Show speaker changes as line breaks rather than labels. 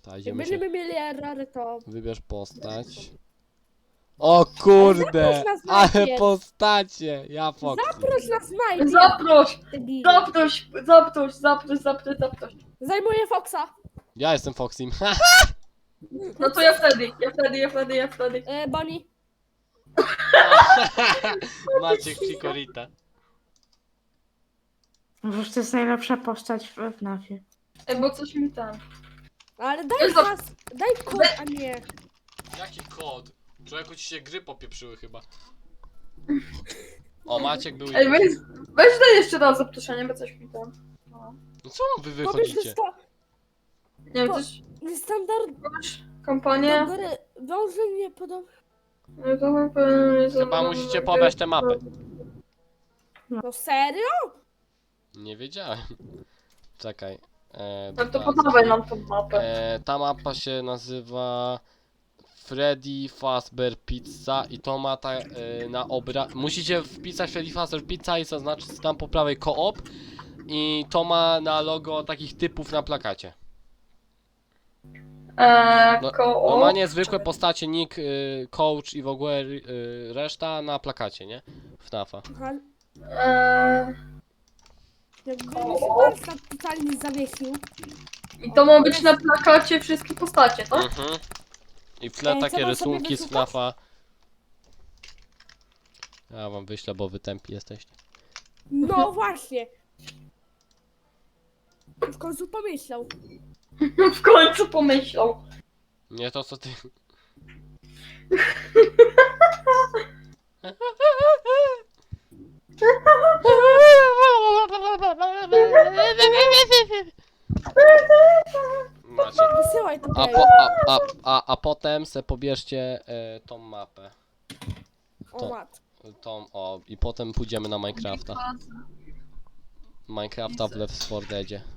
Ta,
Jak
idziemy się...
będziemy mieli errory, to...
Wybierz postać. O kurde!
zaproś nas
Ale
najpierw.
postacie! Ja Foxy.
Zaproś nas najpierw,
Zaproś!
debilu.
Zaproś.
Zajmuję Foxa.
Ja jestem Foxym.
No to ja wtedy.
Bonnie.
Maciek Chikorita.
Przecież to jest najlepsza postać w FNAF-ie.
Bo coś mi tam.
Ale daj
Jezu.
nas, daj kod, a nie.
Jaki kod? Człowieku, ci się gry popieprzyły chyba. O, Maciek był i...
Ej, weź daj jeszcze raz zaproszenie, bo coś mi tam. No.
No co wy
Powiedz, że
wychodzicie?
to
Nie wiem,
Po-
coś...
standard
Kampanię...
do gry wiąże nie podoba.
No to chyba...
Chyba musicie pobrać tę mapę.
No serio?
Nie wiedziałem. Czekaj.
No to
dwa,
podawaj nam tą mapę.
Ta mapa się nazywa Freddy Fazbear Pizza i to ma na musicie wpisać Freddy Fazbear Pizza i zaznaczyć tam po prawej koop i to ma na logo takich typów na plakacie. No, normalnie zwykłe postacie, nick, coach i w ogóle reszta na plakacie, nie? FNAF-a.
Aha,
Eee,
jakby mi się warsztat totalnie zawiesił.
I to ma być na plakacie wszystkie postacie, tak?
Mhm. I w tle
Co
takie
mam sobie
rysunki z
wysłuchać?
FNAF-a. Ja wam wyślę, bo wy tępi jesteście.
No właśnie. W końcu pomyślał.
W końcu pomyślał.
Nie to co ty. Macie.
Wysyłaj to
A,
Pejo.
a potem se pobierzcie tą mapę.
O mat.
I potem pójdziemy na Minecrafta. Minecrafta w Left 4 Deadzie.